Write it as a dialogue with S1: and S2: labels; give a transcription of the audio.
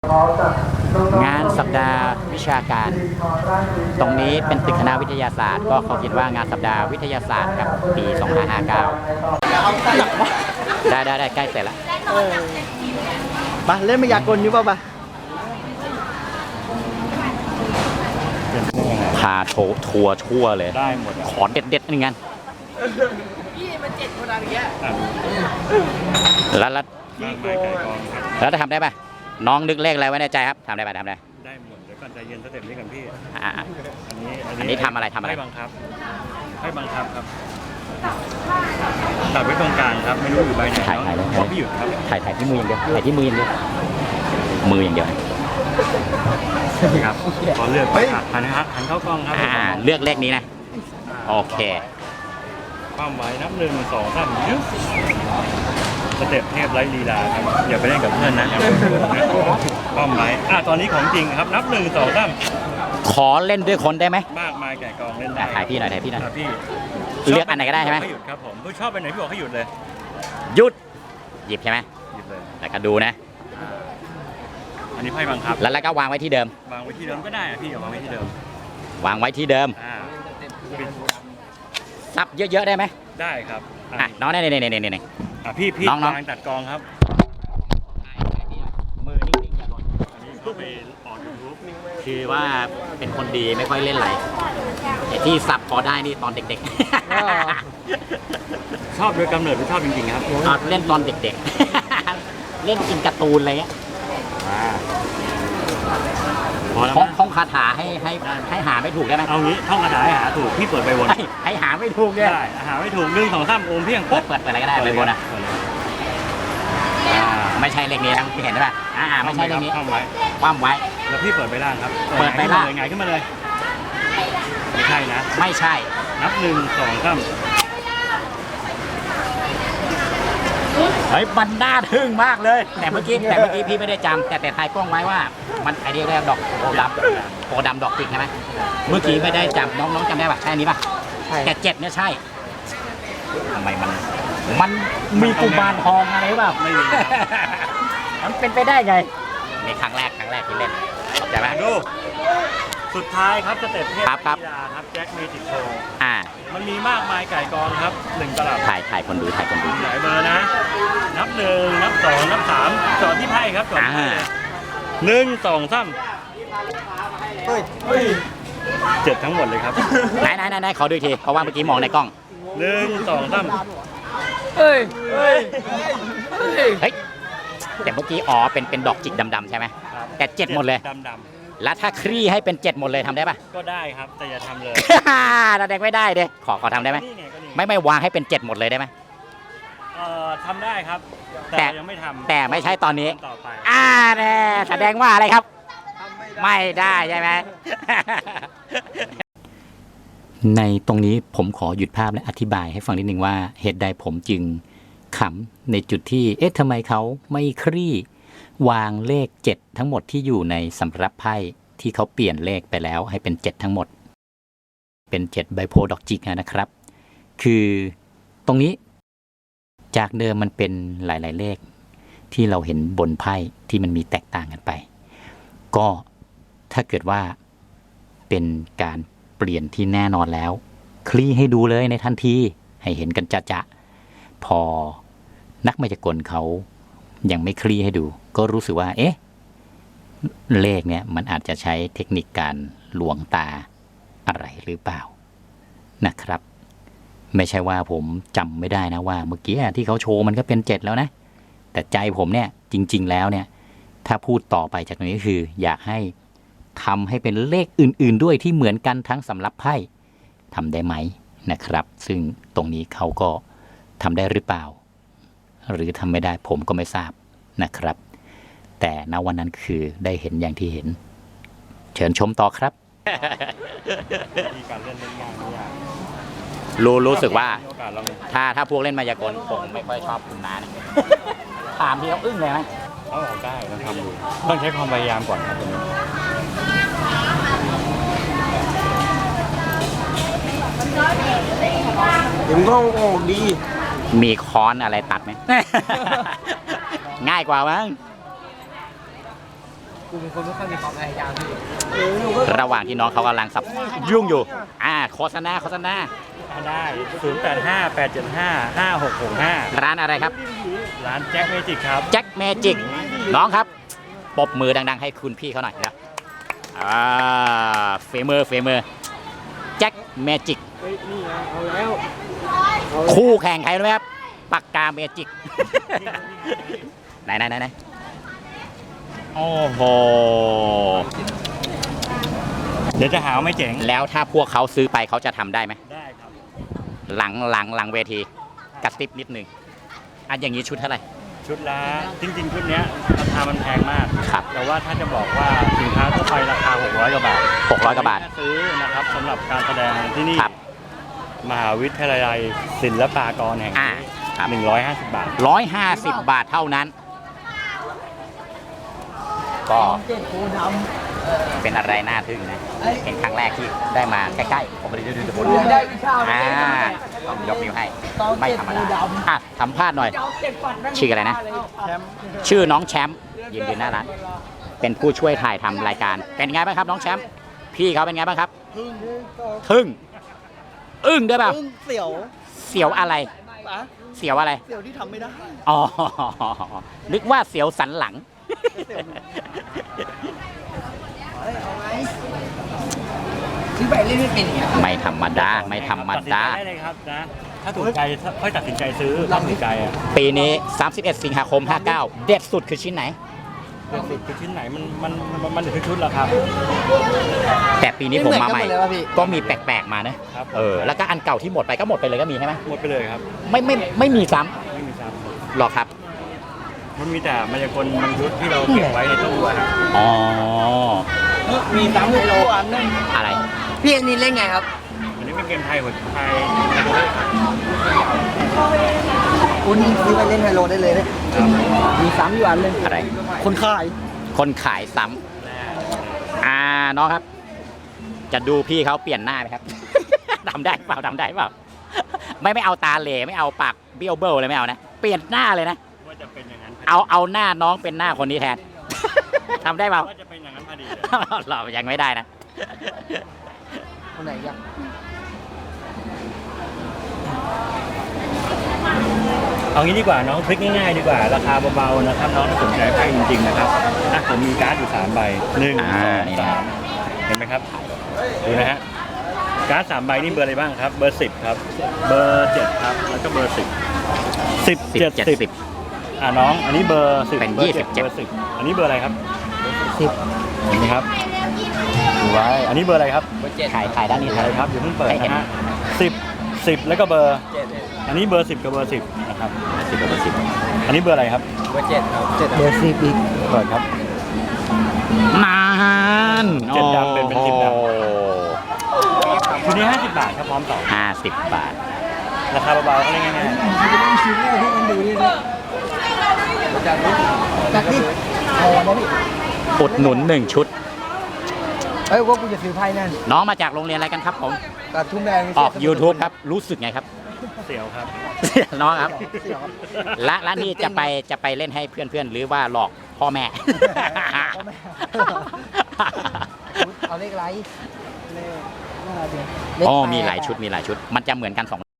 S1: งานสัปดาห์วิชาการตรงนี้เป็นตึกคณะวิทยาศาสตร์ก็เขาคิดว่างานสัปดาห์วิทยาศาสตร์ครับปี2559ได้ใกล้เสร็จแล้ว
S2: มาเล่นมายากลอยู่ป่ะปะ
S1: พาทัวร์ชั่วเลย
S3: ได้หมด
S1: ขอเด็ดๆนึงงั้น
S2: พี่มัน7 คนอะไรเงี้ย
S1: แล้วจะทำได้ป่ะน้องนึกเลขอะไรไว้ในใจครับทำได้ป่ะทำได้
S3: ได้หมดเดี๋ยวก่อนใจเย็นสเต็ปนี้กันพี่
S1: อันนี้ทำอะไร
S3: ให้บังคับครับตัดไว้ตรงกลางครับไม่รู้อยู่ใบไหน
S1: ถ่ายเลย
S3: พี่หยุดครับ
S1: ถ่ายที่มืออย่างเดียวถ่ายที่มืออย่างเดียวมืออย่างเดียว
S3: ครับขอเลือกหันเข้ากล้องครับ
S1: เลือกเลขนี้นะโอเค
S3: ความไว้นับ1 2 3สเต็ปเทพไร้ลีลาครับอย่าไปเล่นกับเพื่อนนะความไว้ตอนนี้ของจริงครับนับ1 2 3
S1: ขอเล่นด้วยคนได้ไหม
S3: มากมายแก่กองเล่นได้
S1: ถ่ายพี่หน่อยพี่
S3: เ
S1: ลือกอันไหนก็ได้ใช่ไหม
S3: หยุดครับผมชอบไปไหนพี่บอกให้หยุดเลย
S1: หยุดหยิบใช่ไหม
S3: หยิบเลย
S1: แล้วก็ดูนะ
S3: อันนี้ไพ่บังคับ
S1: แล้วก็วางไว้ที่เดิม
S3: วางไว้ที่เดิมก็ได้พี่วางไว้ที่เดิม
S1: ซับเยอะๆได้ไหม
S3: ได้ครับ
S1: น้องนี่
S3: พี่น้องตัดกองครับ
S1: มือนิ่งๆอย่าหล่น
S3: อันนี้เขาไปออกยูทูบ
S1: คือว่าเป็นคนดีไม่ค่อยเล่นไหลที่สับพอได้นี่ตอนเด็ก
S3: ๆชอบโดยกำเนิดไม่ชอบจริงๆครับ
S1: เล่นตอนเด็กๆเล่นกินการ์ตูนอะไรเงี้ยท่องคาถาให้หาไม่ถูกได้ไหม
S3: เอางี้ท่องคาถาให้หาถูกพี่เปิดใบวน
S1: ให้หาไม่ถูกเนี่ย
S3: ได้หาไม่ถูก1 2 3โอมเพียง
S1: เปิดอะไรก็ได้ใบวนไม่ใช่เลขนี้นะพี่เห็นไหมไม่ใช่เลขนี้คว่ำไว้
S3: แล้วพี่เปิดใบล่างครับ
S1: เปิดใบล่าง
S3: ไงขึ้นมาเลยไม่ใช่นะ
S1: ไม่ใช่
S3: นับ1 2 3
S1: มันน่าทึ่งมากเลยแต่เมื่อกี้พี่ไม่ได้จำแต่ถ่ายกล้องไว้ว่ามันไอเดียแรกดอกโพดำดอกจิกใช่ไหมเมื่อกี้ไม่ได้จำน้องจำได้ป่ะใช่นี้ป่ะแต่7เนี่ยใช่ทำไมมันมีกุมารทองอะไรเปล่า
S3: ไม่มี
S1: มันเป็นไปได้ไงในครั้งแรกที่เล่นเข้าใจไหม
S3: ดูสุดท้ายครับสเต็ปเทพ
S1: ครับ
S3: แจ็คเมจิกโชว์มันมีมากมายไก่กองครับ1 ตลับ
S1: ถ่ายคนดู
S3: หลายเบอร์นะนับ1นับ2นับ3จอดที่ไพ่ครับจอดที่1 2 37ทั้งหมดเลยครับ
S1: ไหนขอดูอีกทีเพราะว่าเมื่อกี้มองในกล้อง
S3: 1 2 3
S1: เฮ้ยแต่เมื่อกี้เป็นดอกจิกดำๆใช่ไหมแต่7หมดเลย
S3: ดำ
S1: แล้วถ้าคลี่ให้เป็น7หมดเลยทำได้ป่ะ
S3: ก็ได้ครับแต่อย่าทำเลย
S1: เราแดงไม่ได้เด้ขอทำได้ไหมไม่วางให้เป็น7หมดเลยได้ไหม
S3: ทำได้ครับแต่ยังไม่ทำ
S1: แต่ไม่ใช่ตอนนี้แน่แสดงว่าอะไรครับไม่ได้ใช่ไหมในตรงนี้ผมขอหยุดภาพและอธิบายให้ฟังนิดนึงว่าเหตุใดผมจึงขำในจุดที่ทำไมเขาไม่คลี่วางเลข7ทั้งหมดที่อยู่ในสำรับไพ่ที่เขาเปลี่ยนเลขไปแล้วให้เป็น7ทั้งหมดเป็น7ใบโพดอกจิกนะครับคือตรงนี้จากเดิมมันเป็นหลายๆเลขที่เราเห็นบนไพ่ที่มันมีแตกต่างกันไปก็ถ้าเกิดว่าเป็นการเปลี่ยนที่แน่นอนแล้วคลี่ให้ดูเลยในทันทีให้เห็นกันจะพอนักมายากลเขายังไม่คลี่ให้ดูก็รู้สึกว่าเลขเนี่ยมันอาจจะใช้เทคนิคการลวงตาอะไรหรือเปล่านะครับไม่ใช่ว่าผมจำไม่ได้นะว่าเมื่อกี้ที่เขาโชว์มันก็เป็น7แล้วนะแต่ใจผมเนี่ยจริงๆแล้วเนี่ยถ้าพูดต่อไปจากนี้คืออยากให้ทำให้เป็นเลขอื่นๆด้วยที่เหมือนกันทั้งสำรับไพ่ทำได้ไหมนะครับซึ่งตรงนี้เขาก็ทำได้หรือเปล่าหรือทำไม่ได้ผมก็ไม่ทราบนะครับแต่ณวันนั้นคือได้เห็นอย่างที่เห็นเชิญชมต่อครับ
S3: การเล่นง่ายไม่ยาก
S1: รู้สึกว่าถ้าพวกเล่นมายากลผมไม่ค่อยชอบคุณน้าเนี่ยถามที่เขาอึ้งเลยไหม
S3: ได้ต้องทำดูต้องใช้ความพยายามก่อนครับตรงนี้
S2: ผมก็ออกดี
S1: มีค้อนอะไรตัดไหม ง่ายกว่ามั้ง
S2: กูเป็นคนไม่ค่อยมีความพยายามพี่
S1: ระหว่างที่น้องเขากำลังสับยุ่งอยู่โฆษณา
S3: ได้085-875-5665
S1: ร้านอะไรครับ
S3: ร้านแจ็คเมจิกครับ
S1: แจ็คเมจิกน้องครับปรบมือดังๆให้คุณพี่เขาหน่อยนะเฟเมอร์แจ็คเมจิก
S2: นี่ไงเอาแล้ว
S1: คู่แข่งใครรู้ไหมครับปากกาเมจิก ไหนโอ้โห
S3: เดี๋ยวจะหาว่าไม่เจ๋ง
S1: แล้วถ้าพวกเขาซื้อไปเขาจะทำได้ไหม
S3: ได้ครับ
S1: หลังเวทีกระติบนิดนึงอย่างนี้ชุดเท่าไหร่
S3: ชุดละจริงๆชุดเนี้ยราคามันแพงมาก
S1: ครับ
S3: แต่ว่าถ้าจะบอกว่าสินค้าทั่วไปราคา600กว่าบาท
S1: 600 กว่าบาท
S3: ซื้อนะครับสำหรับการแสดงที่นี่
S1: ครับ
S3: มหาวิทยาลัยศิลปากรแห่ง
S1: ครับ
S3: 150 บาท
S1: 150 บาทเท่านั้น ก็
S2: เจ็ดโคด
S1: เป็นอะไรน่าทึ่งนะเห็นครั้งแรกที่ได้มาใกล้ๆผมไปดูผล
S2: ำได้วิชา
S1: ต้องยกนิ้วให้ ไม่ธรรมดาสัมภาษณ์หน่อย ชื่ออะไรนะ
S2: แชมป์
S1: ชื่อน้องแชมป์ยืนหน้าร้านเป็นผู้ช่วยถ่ายทำรายการ เป็นไงบ้างครับน้องแชมป์พี่เขาเป็นไงบ้างครับ ทึ่งอึ้งด้วยเปล่า
S2: เสี่ยว
S1: เสียวอะไร
S2: ปะ
S1: เสียวอะไร
S2: เสี่ยวที่ทำไม่ได้
S1: อ๋อนึกว่าเสียวสันหลัง
S2: เอาไงซื้อไปเล่นไม่เป็นอย่างเงี้ย
S1: ไม่ธรรมดาไม่ธรรมดา
S3: ตัดสินใจได้เลยครับนะ ถ้าถูกใจค่อยตัดสินใจซื้อตัดสินใจอ่ะ
S1: ปีนี้ 31 สิงหาคม 59 เด็ดสุดคือชิ้นไหน
S3: เดือนสิบคือชิ้นไหนมันเหลือชุดแล้วครับ
S1: แต่ปีนี้ผมมาใหม่
S2: ไเหอนกันดเลยวะพี่
S1: ก็มีแปลกๆมานะ
S3: ครับ
S1: แล้วก็อันเก่าที่หมดไปก็หมดไปเลยก็มีใช่ไหม
S3: หมดไปเลยครับ
S1: ไม่มีซ้
S3: ไม่มีซ้
S1: ำหรอกครับ
S3: ำมันมีแต่มายากลบางชุดที่เราเก็บไว้ในตู้อะครับ
S1: อ๋อ
S2: มีสามโลอันนึง
S1: อะไร
S2: พี่อันนี้เล่นไงครับ
S3: อันนี้เป็นเกมไทยหัวไทย
S2: คุณซื้อไปเล่นไฮโลได้เลยนะมีซ้ำอยู่อันนึง
S1: อะไร
S2: คนขาย
S1: คนขายซ้ำน้องครับ จะดูพี่เขาเปลี่ยนหน้าไหมครับ ทำได้เปล่าไม่เอาตาเหล่ไม่เอาปากเบี้ยวเบ้อเลยไม่เอานะ เปลี่ยนหน้าเลยนะ
S3: ว่าจะเป็นอย่างนั้น
S1: เอาหน้าน้องเป็นหน้าคนนี้แทน ทำได้เปล่า
S3: ว่าจะเป็นอย่างนั้นพอดี
S1: เรายังไม่ได้นะ
S2: คนไหนยัง
S3: เอางี้ดีกว่าน้องพลิกง่ายๆดีกว่าราคาเบาๆนะครับน้องถ้าสนใจไพ่จริงๆนะครับผมมีการ์ดอยู่3ใบ1
S1: นี่
S3: 2
S1: นะ
S3: 3เห็นไหมครับดูนะฮะการ์ด3ใบนี่เบอร์อะไรบ้างครับเบอร์10ครับเบอร์7ครับแล้วก็เบอร์10 10 70น้องอันนี้เบอร์10
S1: เป็น
S3: เบอร์7
S1: 27
S3: เบอร์10อันนี้เบอร์อะไรครับ
S2: 10
S3: เห็นไหมครับดูไว้อันนี้เบอร์อะไรครับ
S1: ขายด้านนี้
S3: อะไรครับอย่าเพิ่งเปิด
S1: ให้เห็น
S3: นะฮะ10แล้วก็เบอร์อันนี้เบอร์10กับเบอร์10นะครับ
S1: 10 กับ 10
S3: อันนี้เบอร์อะไรครับ
S2: เบอร์7ครับ7เบอร์10อีก
S3: เปิดครับ
S1: นาน
S3: เจ็ดดำเป็น10ดำ
S1: โอ้
S3: ชุดนี้50 บาทครับพร้อมต่อ
S1: 50 บาท
S3: ราคาเบาๆก็เล่นง่าย
S2: ชิ้นแรกที่มันดูนี่นะจากนี่เอาอันนี้
S1: อุดหนุน 1 ชุด
S2: เอ้ยว่ากูจะซื้อไพ่นั่น
S1: น้องมาจากโรงเรียนอะไรกันครับผม
S2: กระทุ่มแดง
S1: ออก YouTube ครับ รู้สึกไงครับ
S3: ๆเสียวครับ
S1: น้องครับ
S2: เสี่ยวครับ
S1: และนี่จะไปเล่นให้เพื่อนๆ หรือว่าหลอกพ่อแม่
S2: พ่อแม่ เอาเลขไรเลขน่ารักดี
S1: อ๋อมีหลายชุด มันจะเหมือนกัน2